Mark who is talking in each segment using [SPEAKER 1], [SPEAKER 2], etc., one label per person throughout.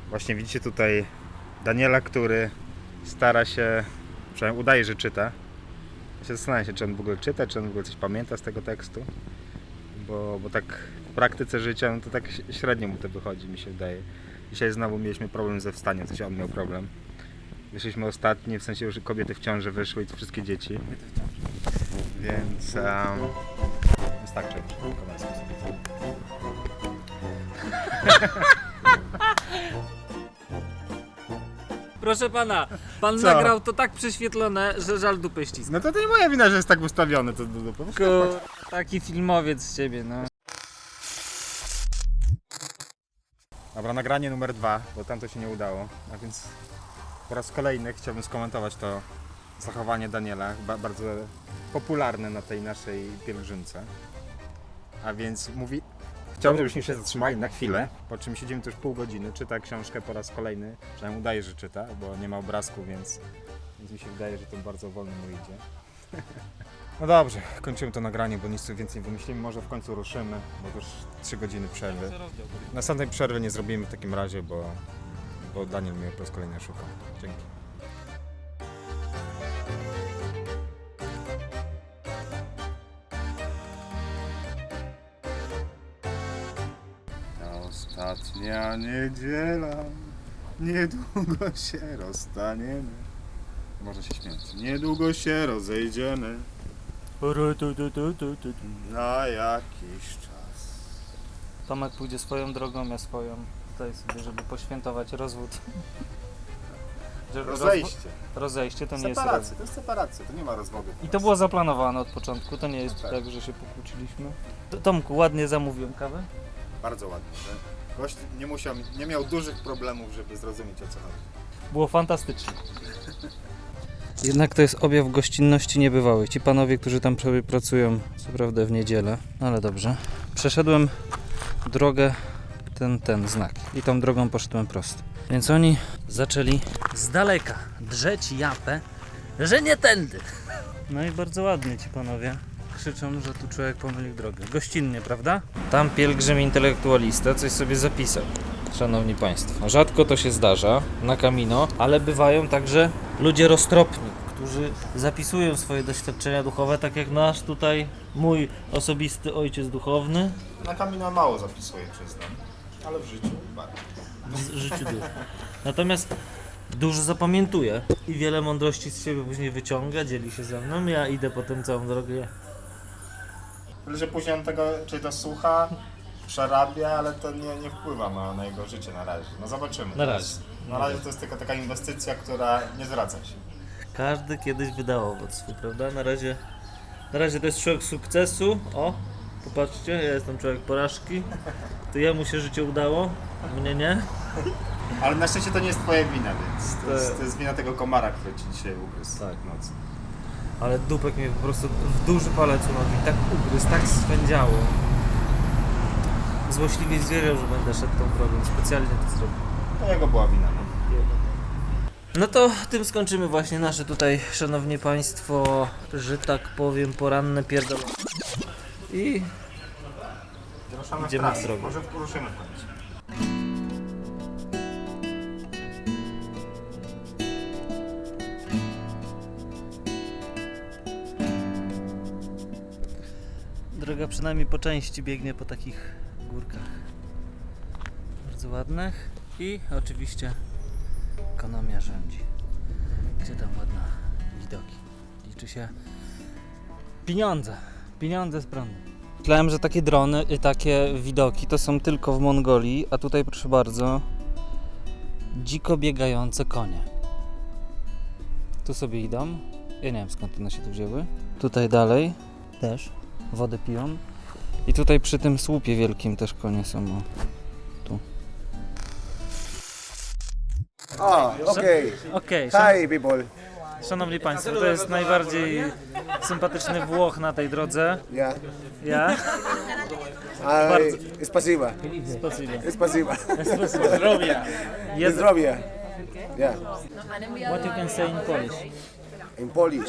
[SPEAKER 1] Właśnie widzicie tutaj Daniela, który stara się, przynajmniej udaje, że czyta. Ja się zastanawiam się, czy on w ogóle czyta, czy on w ogóle coś pamięta z tego tekstu. Bo tak w praktyce życia, no to tak średnio mu to wychodzi, mi się wydaje. Dzisiaj znowu mieliśmy problem ze wstaniem, w sensie on miał problem. Wyszliśmy ostatni, w sensie już kobiety w ciąży wyszły i to wszystkie dzieci. Więc wystarczy już.
[SPEAKER 2] Proszę pana, pan
[SPEAKER 1] Co?
[SPEAKER 2] nagrał to tak prześwietlone, że żal dupy ściska.
[SPEAKER 1] No to nie moja wina, że jest tak ustawione to do
[SPEAKER 2] Taki filmowiec z ciebie, no.
[SPEAKER 1] Dobra, nagranie numer 2, bo tam to się nie udało. A więc po raz kolejny chciałbym skomentować to zachowanie Daniela, bardzo popularne na tej naszej pielgrzymce. A więc mówi, chciałbym, żebyśmy się zatrzymali na chwilę, po czym siedzimy tu już pół godziny, czyta książkę po raz kolejny, przynajmniej udaje, że czyta, bo nie ma obrazku, więc mi się wydaje, że to bardzo wolno mu idzie. No dobrze, kończymy to nagranie, bo nic tu więcej nie wymyślimy, może w końcu ruszymy, bo już 3 godziny przerwy. Następnej przerwy nie zrobimy w takim razie, bo Daniel mnie po raz kolejny szuka. Dzięki. Ostatnia niedziela, niedługo się rozstaniemy. Można się śmiać. Niedługo się rozejdziemy na jakiś czas.
[SPEAKER 2] Tomek pójdzie swoją drogą, ja swoją. Tutaj sobie, żeby poświętować rozwód.
[SPEAKER 1] Rozejście.
[SPEAKER 2] Rozejście to nie jest rozwód.
[SPEAKER 1] Separacja, to jest separacja, to nie ma rozwodu.
[SPEAKER 2] I to było zaplanowane od początku, to nie jest
[SPEAKER 1] Tak.
[SPEAKER 2] tak, że się pokłóciliśmy. Tomku, ładnie zamówiłem kawę?
[SPEAKER 1] Bardzo ładnie. Że gość nie miał dużych problemów, żeby zrozumieć, o co chodzi.
[SPEAKER 2] Było fantastycznie. Jednak to jest objaw gościnności niebywałej. Ci panowie, którzy tam sobie pracują, co prawda w niedzielę, ale dobrze. Przeszedłem drogę, ten znak i tą drogą poszedłem prosto. Więc oni zaczęli z daleka drzeć japę, że nie tędy. No i bardzo ładnie ci panowie krzyczą, że tu człowiek pomylił drogę. Gościnnie, prawda? Tam pielgrzym intelektualista coś sobie zapisał. Szanowni Państwo, rzadko to się zdarza na Camino, ale bywają także ludzie roztropni, którzy zapisują swoje doświadczenia duchowe, tak jak nasz tutaj, mój osobisty ojciec duchowny.
[SPEAKER 1] Na Camino mało zapisuję, przyznam, ale w życiu bardzo.
[SPEAKER 2] W życiu duch. Natomiast dużo zapamiętuje i wiele mądrości z siebie później wyciąga, dzieli się ze mną, ja idę potem całą drogę.
[SPEAKER 1] Tyle, że później on tego, czy to słucha, przerabia, ale to nie wpływa na jego życie na razie. No zobaczymy.
[SPEAKER 2] Na razie.
[SPEAKER 1] Na razie to jest tylko taka inwestycja, która nie zwraca się.
[SPEAKER 2] Każdy kiedyś wydał owoc swój, prawda? Na razie to jest człowiek sukcesu. O, popatrzcie, ja jestem człowiek porażki. To jemu się życie udało, mnie nie.
[SPEAKER 1] Ale na szczęście to nie jest twoja wina, więc to jest wina tego komara, który ci dzisiaj ugryzł w nocy.
[SPEAKER 2] Ale dupek mnie po prostu w duży palec u nogi tak ugryzł, tak swędziało. Złośliwie zwierzę, że będę szedł tą drogą, specjalnie to zrobił.
[SPEAKER 1] To jego była wina, no.
[SPEAKER 2] No to tym skończymy właśnie nasze tutaj, szanowni państwo, że tak powiem, poranne pierdolone. I
[SPEAKER 1] Ruszamy
[SPEAKER 2] idziemy w drogę.
[SPEAKER 1] Może ruszymy w końcu.
[SPEAKER 2] droga przynajmniej po części biegnie po takich górkach bardzo ładnych i oczywiście ekonomia rządzi. Gdzie tam ładne widoki? Liczy się pieniądze z prądu. Myślałem, że takie drony i takie widoki to są tylko w Mongolii, a tutaj proszę bardzo, dziko biegające konie. Tu sobie idą. Ja nie wiem skąd one się tu wzięły. Tutaj dalej też wodę piją. I tutaj przy tym słupie wielkim też konie są. O, tu.
[SPEAKER 3] Okay.
[SPEAKER 2] Okej,
[SPEAKER 3] Hi, people.
[SPEAKER 2] szanowni państwo, to jest najbardziej sympatyczny Włoch na tej drodze.
[SPEAKER 3] Yeah.
[SPEAKER 2] Ja?
[SPEAKER 3] Spasiba.
[SPEAKER 2] Spasibo.
[SPEAKER 3] Spasiba.
[SPEAKER 2] Jest,
[SPEAKER 3] Zdrowie. Yeah.
[SPEAKER 2] what you can say in Polish?
[SPEAKER 3] In Polish.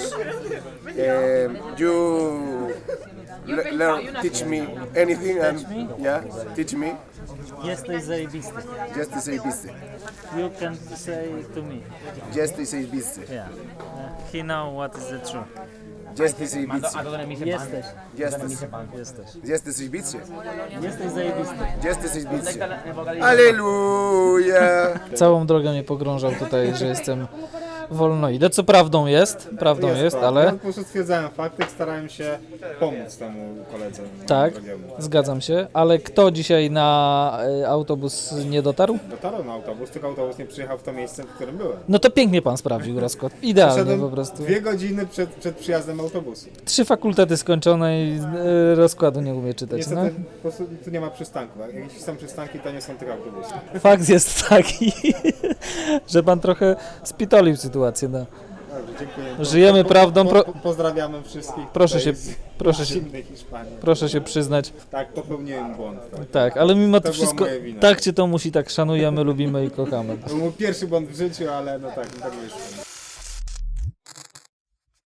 [SPEAKER 3] You learn, teach me anything and yeah, teach me.
[SPEAKER 2] Jesteś zajebisty.
[SPEAKER 3] Jesteś zajebisty.
[SPEAKER 2] You can say to me.
[SPEAKER 3] Jesteś zajebisty.
[SPEAKER 2] Yeah. He know what is the truth.
[SPEAKER 3] Jesteś zajebisty.
[SPEAKER 2] Jesteś.
[SPEAKER 3] Jesteś.
[SPEAKER 2] Jesteś.
[SPEAKER 3] Jesteś zajebisty.
[SPEAKER 2] Jesteś zajebisty.
[SPEAKER 3] Jesteś zajebisty. Aleluja.
[SPEAKER 2] Całą drogę mnie pogrążał tutaj, że jestem wolnoidę, co prawdą jest, ale
[SPEAKER 1] Ja po prostu stwierdzałem fakty, starałem się pomóc temu koledze.
[SPEAKER 2] tak,
[SPEAKER 1] drogiemu.
[SPEAKER 2] zgadzam się, ale kto dzisiaj na autobus nie dotarł?
[SPEAKER 1] Dotarł na autobus, tylko autobus nie przyjechał w to miejsce, w którym byłem.
[SPEAKER 2] No to pięknie pan sprawdził rozkład, idealnie
[SPEAKER 1] Przeszedłem
[SPEAKER 2] po prostu.
[SPEAKER 1] 2 godziny przed przyjazdem autobusu.
[SPEAKER 2] 3 fakultety skończone i rozkładu nie umie czytać, no.
[SPEAKER 1] Niestety po prostu tu nie ma przystanku. Jak jakieś są przystanki, to nie są tylko autobusy.
[SPEAKER 2] Fakt jest taki, że pan trochę spitolił sytuację, no.
[SPEAKER 1] Dobrze, dziękuję.
[SPEAKER 2] Żyjemy prawdą,
[SPEAKER 1] Pozdrawiamy wszystkich.
[SPEAKER 2] Proszę
[SPEAKER 1] tutaj
[SPEAKER 2] się-
[SPEAKER 1] z
[SPEAKER 2] proszę się-
[SPEAKER 1] zimnej Hiszpanii.
[SPEAKER 2] Proszę się przyznać.
[SPEAKER 1] Tak, popełniłem błąd. Tak.
[SPEAKER 2] Tak, ale mimo to
[SPEAKER 1] To była
[SPEAKER 2] wszystko,
[SPEAKER 1] moja wina.
[SPEAKER 2] tak cię to musi, tak szanujemy, lubimy i kochamy.
[SPEAKER 1] To był mój pierwszy błąd w życiu, ale no tak wyszło.